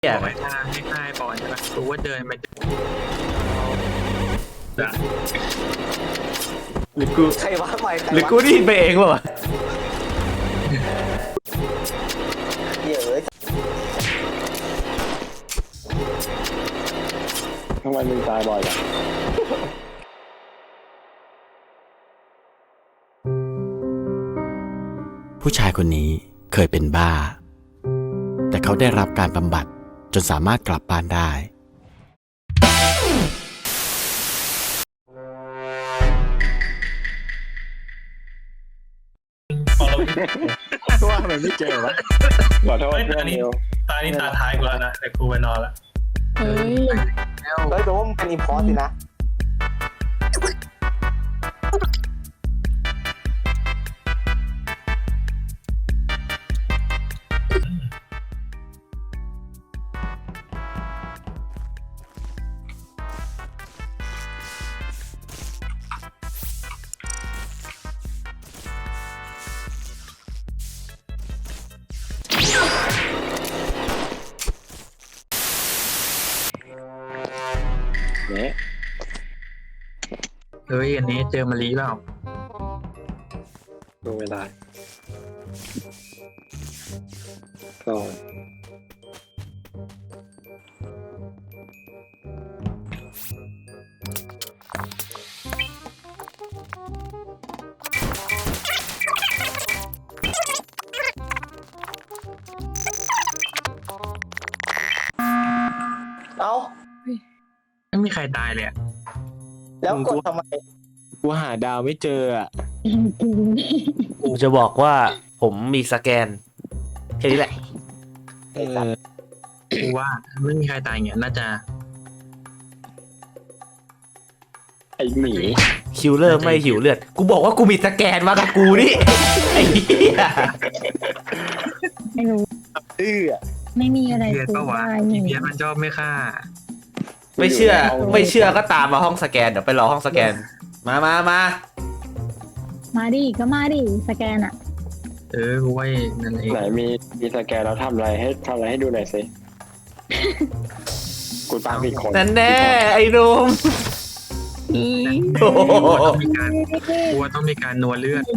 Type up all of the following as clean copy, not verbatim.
อย่าไปทางให้ค่ายก่อนใช่ปะรู้ว่าเดินไปจะหรือกูใครวะใหม่ใครหรือวะกูได้ยินไปเองวะเดี๋ยวเอ้ยทำไมมึงตายบ่อยอ่ะผู้ชายคนนี้เคยเป็นบ้า แต่เขาได้รับการบำบัดจนสามารถกลับบ้านได้ว่าทำไมไม่เจอวะขอโทษเฮ้ยเพื่อนอันนี้เดียวตานี่ตาท้ายกูแล้วนะแต่กูไปนอนละเฮ้ยแล้วเฮ้ยแปลว่ามันเป็นอิมพอร์ตสินะเนี่ยเฮ้ยอันนี้เจอมาลีเปล่าดูเวลาก็เอ้าไม่มีใครตายเลยอะแล้วกดทำไมกูหาดาวไม่เจออ่ะกูจะบอกว่าผมมีสแกนแค่นี้แหละกูว่าไม่มีใครตายเงี้ยน่าจะไอหมีคิวเลอร์ไม่หิวเลือด กูบอกว่ากูมีสแกนมากับกูนี่ไอ้เหี้ยไม่รู้ ไม่มีอะไรเพียรพูดปะวะได้อีนี่เพียรมันชอบไม่ฆ่าไม่เชื่อก็ตามมาห้องสแกนเดี๋ยวไปรอห้องสแกน มามาดิก็มาดิสแกนอะกูว่านั่นเองไหนมีสแกนแล้วทำอะไรให้ดูหน่อยสิกูตามผิดคนนั่นแน่ไอ้หนุ่มโอ้โหกูว่าต้องมีการนัวเลือด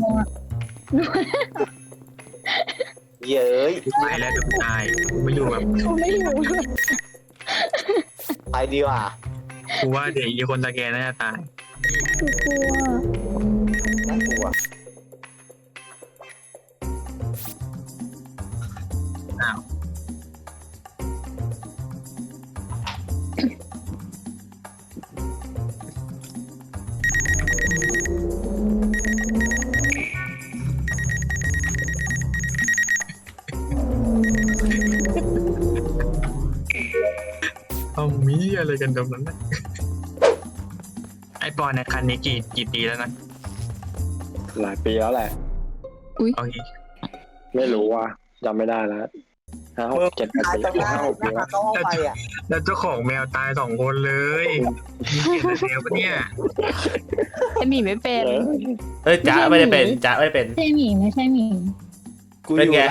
เย้ยกูตายแล้วเดี๋ยวกูตายกูไม่อยู่แบบเขาไม่อยู่ไปดีกว่ากูว่าเดี๋ยวอีกคนตะแกนน่าจะตายกูกลัวน่ากลัวอ้าว เอามีอะไรกันตรงนั้นนะไอปอนเนี่ยคันนี้กี่ปีแล้วนะหลายปีแล้วแหละโอเคไม่รู้ว่าจำไม่ได้แล้ว5 6 7 8 ตายปีตรงหน้า 5 6 ปีแล้วเข้าห้องไปอ่ะแล้วเจ้าของแมวตาย2 คนเลยมีเกียรติแมวปะเนี่ยไอหมีไม่เป็นเฮ้ยจ๊ะไม่ได้เป็นจ๊ะไม่ได้เป็นใช่หมีไม่ใช่หมีเป็นไง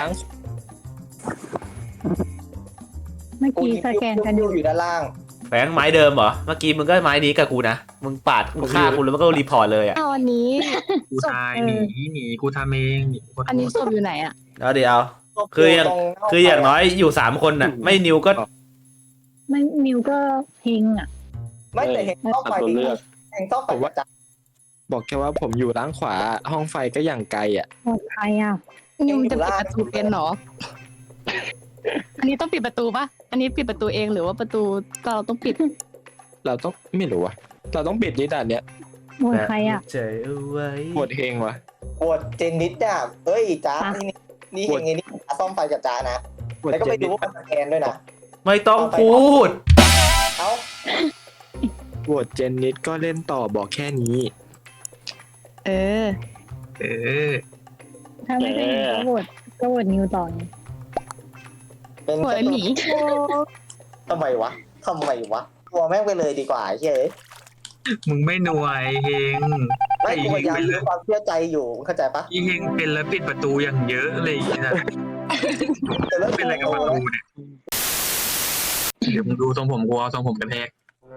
เมื่อกี้สแกนกันอยู่อยู่ด้านล่างแฝงไม้เดิมเหรอ เมื่อกี้มึงก็ไม้นี้กับกูนะ มึงปาดมึงฆ่ากูแล้วมันก็รีพอร์ตเลยอ่ะเอาอันนี้กูตายหนีกูทำเองหนีกูอันนี้ศพอยู่ไหนอ่ะแล้วเดี๋ยว คืออย่างน้อยอยู่3 คนน่ะ ไม่นิวก็ไม่มิวก็เฮงอะไม่แต่เห็นเข้าไปตัวเลือกเห็นเข้าไปว่าจะบอกแค่ว่าผมอยู่ด้านขวาห้องไฟก็อย่างไกลอ่ะปลอดภัยอะนิวจะปิดประตูเป็นเหรอ อันนี้ต้องปิดประตูปะอันนี้ปิดประตูเองหรือว่าประตูเราต้องปิดเราต้องไม่รู้อะเราต้องปิดนิดอ่ะเนี้ยปลอดภัยอะเฉยเอาไว้ปวดเฮงวะปวดเจนนิดอ่ะเอ้ยจ้าอ่ะนี่เห็นไงนี่ซ่อมไฟกับจ้านะปวดแล้วก็เจไปนดูนิดว่าสแกนด้วยนะไม่ต้องพูดเอ้าปวดเจนนิดก็เล่นต่อบอกแค่นี้เออเออถ้าไม่ใช่หมีก็โหวตนิวต่อไงเป็นปวดไอหมีทำไมวะกลัวแม่งไปเลยดีกว่าเฮ้ยมึงไม่หน่วยเฮงไม่ไอ้กูเฮพงยายามเป็นมีแล้วความเชื่อใจอยู่เข้าใจปะไอ้เฮงเป็นแล้วปิดประตูอย่างเยอะเลยนะแต่แล้วเป็นอะไรกับประตูเนี่ยเดี๋ยวมึงดูทรงผมกูเอาทรงผมกระแทก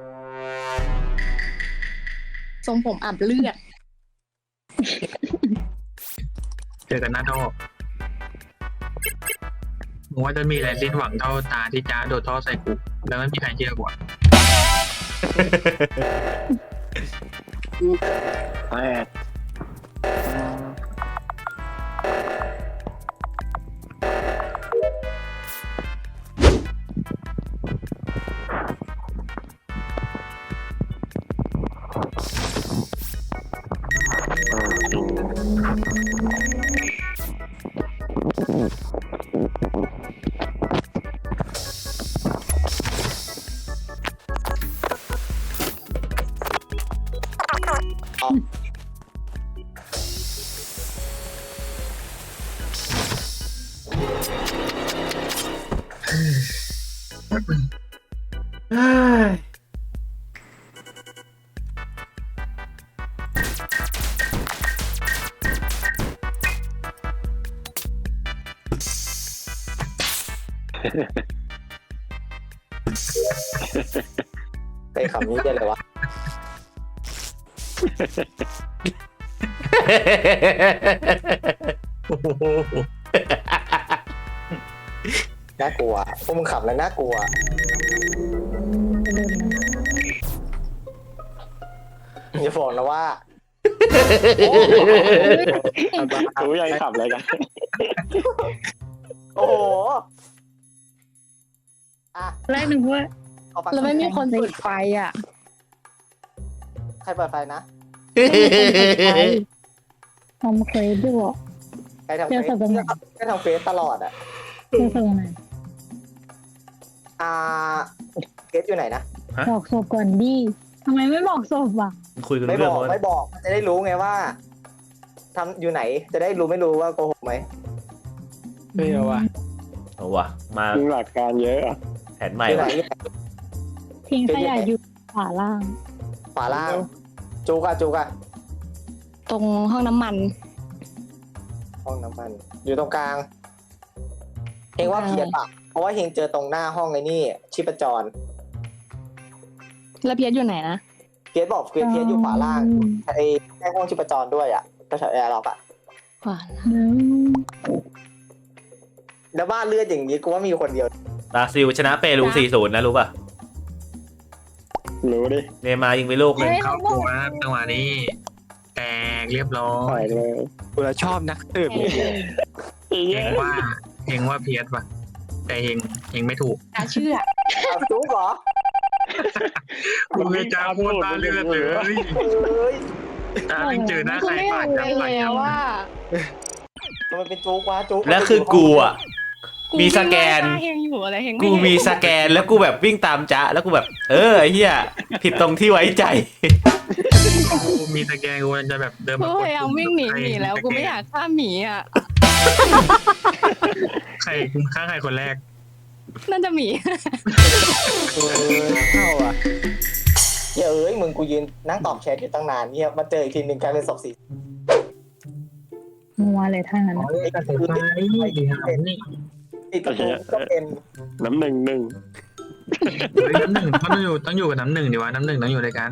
ทรงผมอาบเลือดเจอกันหน้าท่อมึงว่าจะมีอะไรสิ้นหวังเท่าตาที่จ้าโดดท่อใส่กูแล้วไม่มีใครเชื่อกูอะแปดไปคำนี้ได้เลยวะน่ากลัวพวกมึงขำแล้วน่ากลัวอย่าบอกนะว่ารู้ยังขับอะไรกันโอ้โหอ่ะแรกนึกว่าเอาฟังแล้วไม่มีคนเปิดไฟอ่ะใครเปิดไฟนะทำเคยด้วยใครทำเจอเฟสัซปดาห์ไหนใครทำเฟซตลอดอ่ะเจอสัปดาห์ไหนอ่าเฟซอยู่ไหนนะบอกศพก่อนดิทำไมไม่บอกศพอ่ะคุยกันไม่เรื่บองอกว่าไม่บอกจะได้รู้ไงว่าทำอยู่ไหนจะได้รู้ไม่รู้ว่าโกหกไหมไม่เอาว่ะเอาวะมามึงหลักการเยอะอะแผนใหม่อยู่ไหนวะทิ้งขยะอยู่ขวาล่างขวาล่างจูกอะตรงห้องน้ำมันห้องน้ำมัน อยู่ตรงกลางเฮงว่าเพียนปะเพราะว่าเฮงเจอตรงหน้าห้องไอ้นี่ชีพจรแล้วเพียรอยู่ไหนนะเพียนบอกเพียนอยู่ขวาล่างไอ้ให้องชีพจรด้วยอ่ะก็แถวแอร์ล็อกอ่ะขวาแล้วบ้านเลือดอย่างนี้กูว่ามีคนเดียวบราซิลชนะเปรู 4-0 นะรู้ป่ะรู้ดิเนย์มาร์ยิงไปลูกหนึ่งเข้าตัวนะจังหวะนี้แตกเรียบร้อปล่อย ยเลยกูละชอบนักสืบนี่เฮงว่าเพียสว่ะแต่เฮงไม่ถูกตาเชื่อเอาจูกเหรอกูเลยจ้าพูดตาเลือดเลยเฮ้ยตาไม่เจอหน้าใครไม่ปาเอากเลยเลยว่าทำไมเป็นจูกวะจูกแล้วคือกูอ่ะ มีสแกนเฮงอยู่อะไรเฮงกูมีสแกนแล้วกูแบบวิ่งตามจ๊ะแล้วกูแบบ ไอ้เหี้ยผิดตรงที่ไว้ใจกูมีสแกนกูจะแบบเดินกูมาพยายามวิ่งหนีหมีแล้วกูไม่อยากฆ่าหมีอ่ะใครฆ่าใครคนแรกน่าจะหมีเข้าอ่ะเฮ้ยเอ้ยมึงกูยืนนั่งตอบแชทอยู่ตั้งนานเนี่ยมาเจออีกทีหนึ่งกลายเป็นศพสีมัวเลยทั้งนั้นไอ้กระสือไม่ดีครับนี่ติดกระทูก็เป็นน้ำหนึ่งน้ำหนึ่งต้องอยู่กับน้ำหนึ่งดีวะน้ำหนึ่งต้องอยู่ด้วยกัน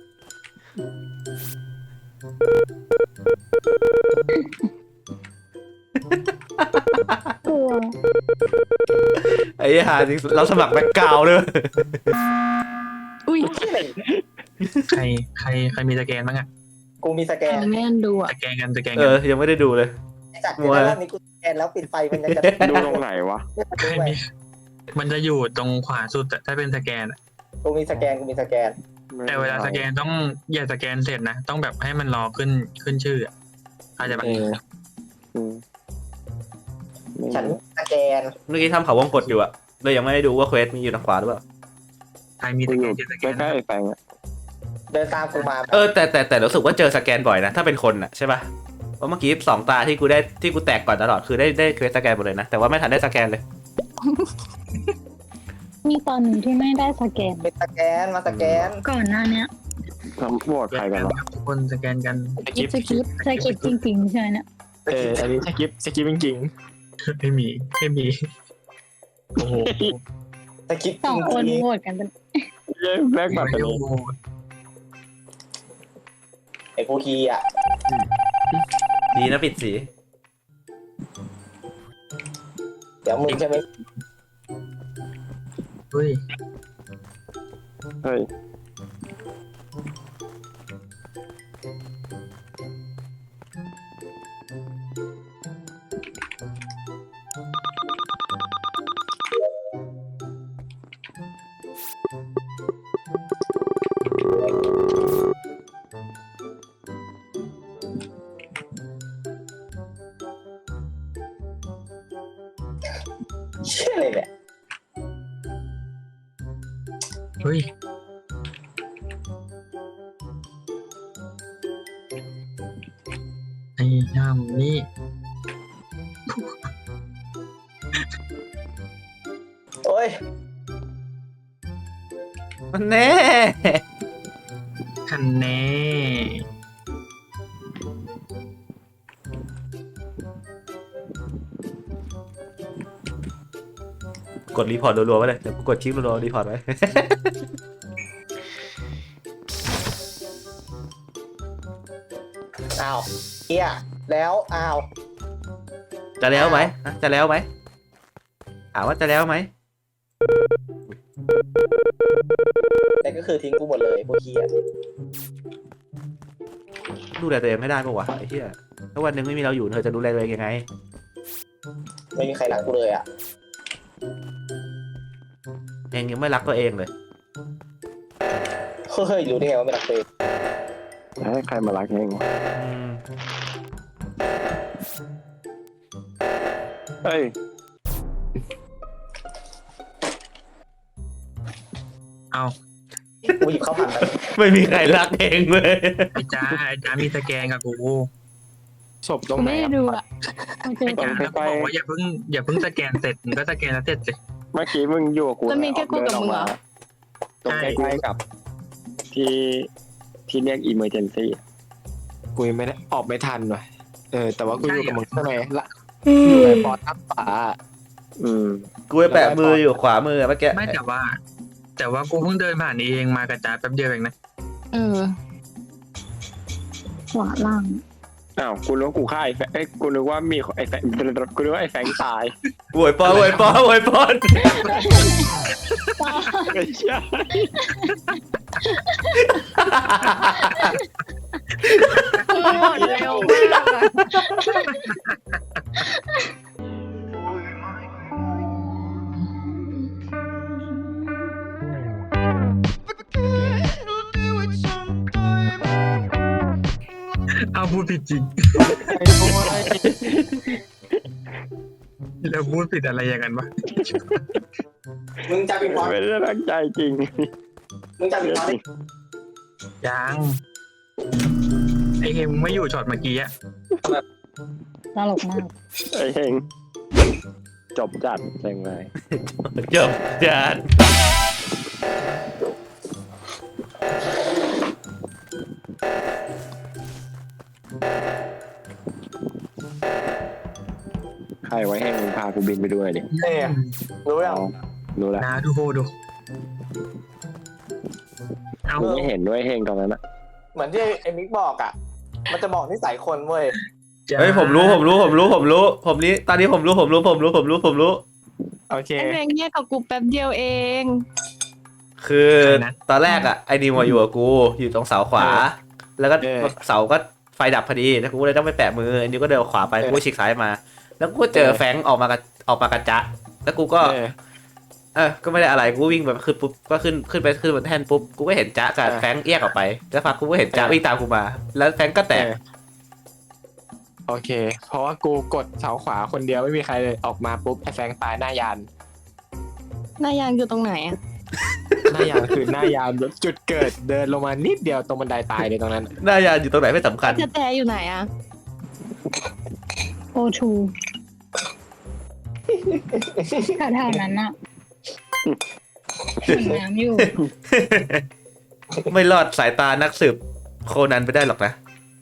กลัวไอ้เหี้ยหาจริงเราสมัครแบ็คกราวด์ด้วยอุ้ยใครมีสแกนบ้างอะกูมีสแกนแม่นดูอ่ะสแกนกันยังไม่ได้ดูเลยไอ้จัดเดี๋ยวรอบนี้กูสแกนแล้วปิดไฟมันยังจะดูตรงไหนวะใครมีมันจะอยู่ตรงขวาสุดอะถ้าเป็นสแกนอะกูมีสแกนแต่เวลาสแกนต้องอย่าสแกนเสร็จนะต้องแบบให้มันรอขึ้นชื่ออะอาจจะแบบอืมไม่ฉันสแกนเมื่อกี้ทำเขาวงกดอยู่อะเลยยังไม่ได้ดูว่าเควสมีอยู่ทางขวาหรือเปล่าใครมีสกูแกอน ยู่จะสแกใกนล้ๆไอ้แปงอะเดินตามกูมาแต่รู้สึกว่าเจอสแกนบ่อยนะถ้าเป็นคนอะใช่ป่ะเพราะเมื่อกี้2 ตาที่กูแตกก่อนตลอดคือได้เควสสแกนหมดเลยนะแต่ว่าไม่ทันได้สแกนเลยมีตอนหนึ่งที่ไม่ได้สแกนเป็นสแกนมาสแกนก่อนหน้าเนี้ยทำโหวตใครกันวะทุกคนสแกนกันสกิปสคริปต์จริงๆใช่ไหมเนี่ยอันนี้สกิปจริงไม่มีโอ้โหถ้าคิดสองคนโหวตกันเป็นเย้แบกบัตรไปไม่เลยโหวตไอ้พวกคีอ่ะดีนะปิดสีเดี๋ยวมึงใช่ไหมเฮ้ยเฮ้ยเชื่อเลยเนี่ยเฮ้ยไอ้ย่ำนี่โอ้ยมันแน่คันแน่กดรีพอร์ตรัวๆไว้เลยเดี๋ยวกูกดคลิกรัวๆรีพอร์ตไว้อ้าวเฮียแล้วอ้าวจะแล้วไหมนะจะแล้วไหมถามว่าจะแล้วไหมแต่ก็คือทิ้งกูหมดเลยพวกคีอ่ะดูแลตัวเองไม่ได้ปะวะไอ้เหี้ยถ้าวันหนึงไม่มีเราอยู่เธอจะดูแลตัวเองยังไงไม่มีใครรักกูเลยอ่ะเองยังไม่รักตัวเองเลยเฮ้ยรู้ได้ไงว่าไม่รักตัวเองให้ใครมารักเองวะอืมเฮ้ยเอากูหยิบข้าวผัดไปไม่มีใครรักเองเลยไอ้จ้ามีสแกนกับกูศพตรงกูไหนไม่ได้อะดูอ่ะโอเคไอ้จ้าแล้วก็บอกว่าอย่าเพิ่งสแกนเสร็จมึงก็สแกนแล้วเสร็จสิเมื่อกี้มึงอยู่กับกูแล้วมีแค่กูกับมึงเหรอตรงใกล้ๆกับที่เรียก emergency กูยังไม่ได้ออกไม่ทันว่ะแต่ว่ากูอยู่กับมึงข้างในละอยู่ในปอดทับฝาอืมกูไปแปะมืออยู่ขวามือเมื่อกี้ไม่แต่ว่ากูเพิ่งเดินผ่านนี้เองมากระจายแป๊บเดียวเองนะเออขวาล่างอ้าวกูนึกว่ากูฆ่าไอ้แฟงกูนึกว่ามีไอ้แฟงกูนึกว่าไอ้แฟงตายโวยปอนโวยปอนโวยปอนไม่ใช่หมดเร็วมากอะเอาพูดผิดจริง แล้วพูดผิดอะไรอย่างนั้นวะมึงจะปิดพอดไม่ได้ตั้งใจจริงมึงจะปิดพอดยังไอเฮมไม่อยู่ช็อตเมื่อกี้อะตลกมากไอ้เฮงจบจัดเจ๋งเลยจบจานใครไว้เฮงมึงพากูบินไปด้วยดิเนี่ยรู้ยังเอารู้แล้วนะดูเอามึงไม่เห็นด้วยเฮงตอนนั้นอะเหมือนที่ไอ้มิกบอกอ่ะ มันจะบอกนิสัยคนเว้ยเฮ้ยผมรู้ผมนี้ตอนนี้ผมรู้โอเคไอ้เรงเงียบกับกูแป๊บเดียวเองคือตอนแรกอ่ะไอ้นิวมาอยู่กับกูอยู่ตรงเสาขวา แล้วก็เสาก็ไฟดับพอดีแล้วกูเลยต้องไปแปะมือไอ้นิวก็เดินขวาไปกูก็ฉีกซ้ายมา แล้วกูก็เจอแฟงออกมากระจะแล้วกูก็ก็ไม่ได้อะไรกูวิ่งแบบขึ้นปุ๊บก็ขึ้นบนแท่นปุ๊บกูก็เห็นจ๊ะกับแฟงแยกออกไปแล้วพักกูก็เห็นจ๊ะวิ่งตามกูมา แล้วแฟงก็แตกโอเค เพราะว่ากูกดเสาขวาคนเดียวไม่มีใครเลยออกมาปุ๊บไอ้แฟงตายหน้ายานหน้ายางอยู่ตรงไหนอ่ะหน้ายานคือหน้ายานจุดเกิดเดินลงมานิดเดียวตรงบันไดตายเลยตรงนั้นหน้ายานอยู่ตรงไหนไม่สำคัญจะแจอยู่ไหนอ่ะโอทูแถวๆนั้นอะถังน้ำอยู่ไม่รอดสายตานักสืบโคนันไปได้หรอกนะ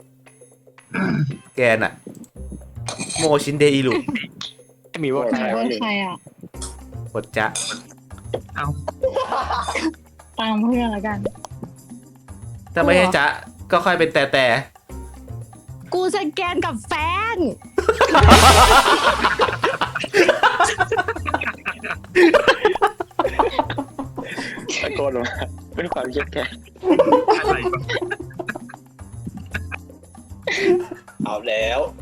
แกน่ะ โมชินเดอิรุมีว่าไหนว่าใครอะกดจ๊ะเอาตามเพื่อนละกันถ้าไม่ใช่จ๊ะก็ค่อยเป็นแต่กูสแกนกับแฟนตะโกนออกมาด้วยความเครียดแค้นอะไรวะเอาแล้ว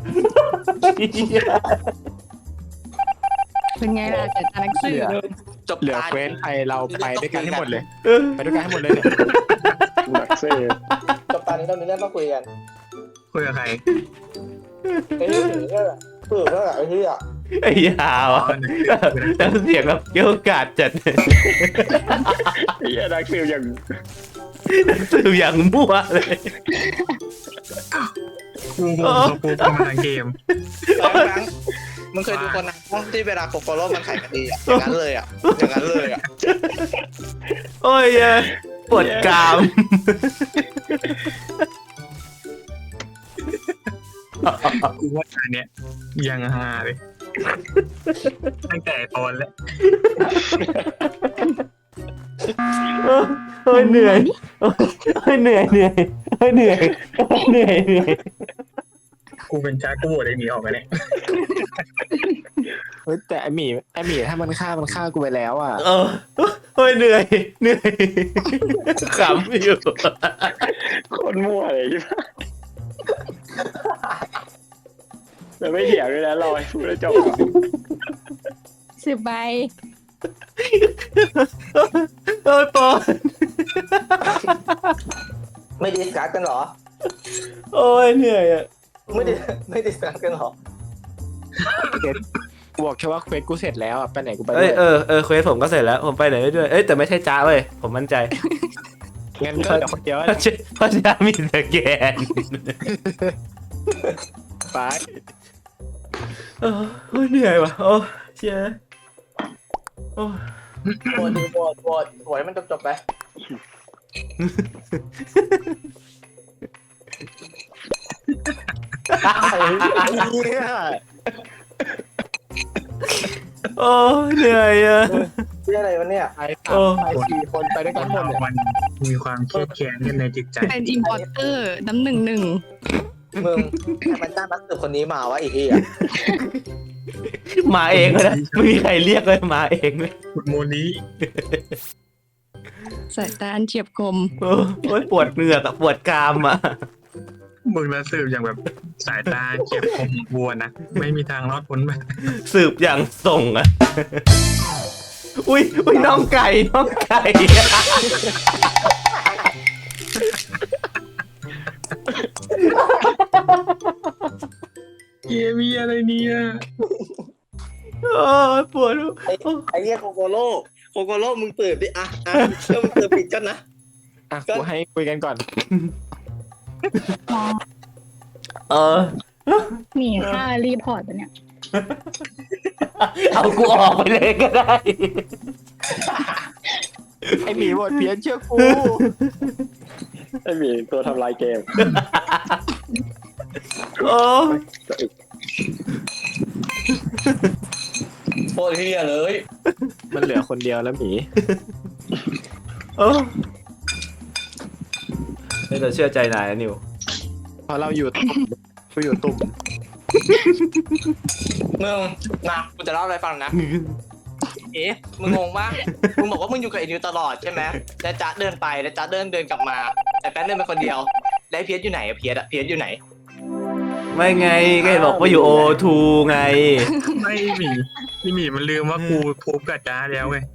เป็นไงล่ะเกิดการนักสืบจบเหลือการเควสไทยเราไปด้วยกันให้หมดเลยๆเออไปด้วยกันให้หมดเลยเนี่ยหนักเซ่จบตอนนี้เรามีเรื่องต้องคุยกันคุยกับใครไอ้เรื่องนี้ก็ไอ้ที่อ่ะไอ้ยาวอ่ะแล้วเสียงแบบเกี่ยวกาดจัดไอ้เหี้ยนักสืบอย่างสืบอย่างมั่วเลยกูเขาปูประมาณเกมมึงเคยดูคนนั้นที่เวลาโคโคโร่มันไขคดีอ่ะอย่างนั้นเลยอ่ะอย่างนั้นเลยอ่ะโอ้ยปวดกรามกูว่าอันเนี้ยยังฮาเลยตั้งแต่ตอนแล้วโอ้ยเหนื่อยโอ้ยเหนื่อยเหนื่อยโอ้ยเหนื่อยเหนื่อยเหนื่อยกูเป็นจ้ากูโหวตไอ้หมีออกไปเนี่ยเฮ้ยแต่ไอหมีถ้ามันฆ่ากูไปแล้วอ่ะโอ้ยเหนื่อยเหนื่อยขำอยู่คนมั่วเลยใช่ไหมแต่ไม่เถียงเลยนะรอให้พูดแล้วจบ 10 ใบโอ้ยปอนไม่ดิสคัสกันเหรอโอ้ยเหนื่อยอ่ะไม่ดิสคัสกันเหรอกูบอกแค่ว่าเควสกูเสร็จแล้วอ่ะไปไหนกูไปเอ้ด้วย ยเควสผมก็เสร็จแล้วผมไปไหนได้ด้วยเอ้ยแต่ไม่ใช่จ้าเว้ยผมมั่นใจงั้นก็เดี๋ยวคนเดียวเพราะจ้ามีสแกนไปโอ้ยเหนื่อยว่ะโอ้เชี่ยโอ้โหวตให้มันจบไปเนี่ยโอ้เหนื่อยอ่ะเรื่องอะไรวะเนี่ยไปสามไปสี่คนไปด้วยคกันนหมดเราเลยมันมีความเครียดแค้นกันในจิตใจเป็นอิมพอร์เตอร์น้ำ1-1 มึงให้มันจ้างนักสืบคนนี้มาวะอีกทีอ่ะมาเองเลยนะไม่มีใครเรียกเลยมาเองเลยโมลีสายตาอันเฉียบคมโอ้ยปวดเหงือกอะปวดกรามอ่ะมึงละสืบอย่างแบบสายตาเจ็บคมวัวนะไม่มีทางรอดพ้นไปสืบอย่างส่งอ่ะอุ้ยน้องไก่น้องไก่เกมีอะไรเนี่ยโอ้ยปวดไอ้เรียกโคโคโร่มึงเปิดดิอ่ะเชื่อมึงเปิดปิดกันนะอ่ะกูให้คุยกันก่อนเออหนีค่ารีพอร์ตปะเนี่ยเอากูออกไปเลยก็ได้ไอหมีบทเพี้ยนเชื่อกูไอ้หมีตัวทำลายเกมโอ้โคตรเฮียเลยมันเหลือคนเดียวแล้วหมีโอ้ไม่ต้องเชื่อใจนายนะนิวเพราะเราอยู่ตุ่มกูอยู่ตุ่มมึงนะกูจะเล่าอะไรฟังนะมึงงงปะมึงบอกว่ามึงอยู่กับไอ้นิวตลอดใช่ไหมแล้วจ๊ะเดินไปแล้วจ๊ะเดินกลับมาแต่แป๊บเดินไปคนเดียวแล้วเพียสอยู่ไหนอะเพียสอยู่ไหนไม่ไงก็เห็นบอกว่าอยู่ O2 ไงไม่หมีพี่หมีมันลืมว่ากูทุบกับจ้าแล้วไง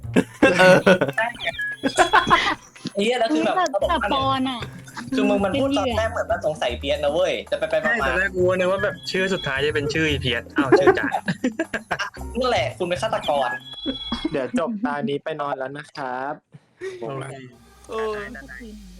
ไอ้เหี้ยแล้วคือแบบแต่ปอนอ่ะคือมึงมันพูดตอนแรกเหมือนมันสงสัยเพียสนะเว้ยแต่ไปใช่มาแต่แรกกูนึกว่าแบบชื่อสุดท้ายจะเป็นชื่ออีเพียสอ้าวชื่อจ่านั่นแหละคุณเป็นฆาตกรเดี๋ยวจบตานี้ไปนอนแล้วนะครับโอเคโอ้สักทีหนึ่ง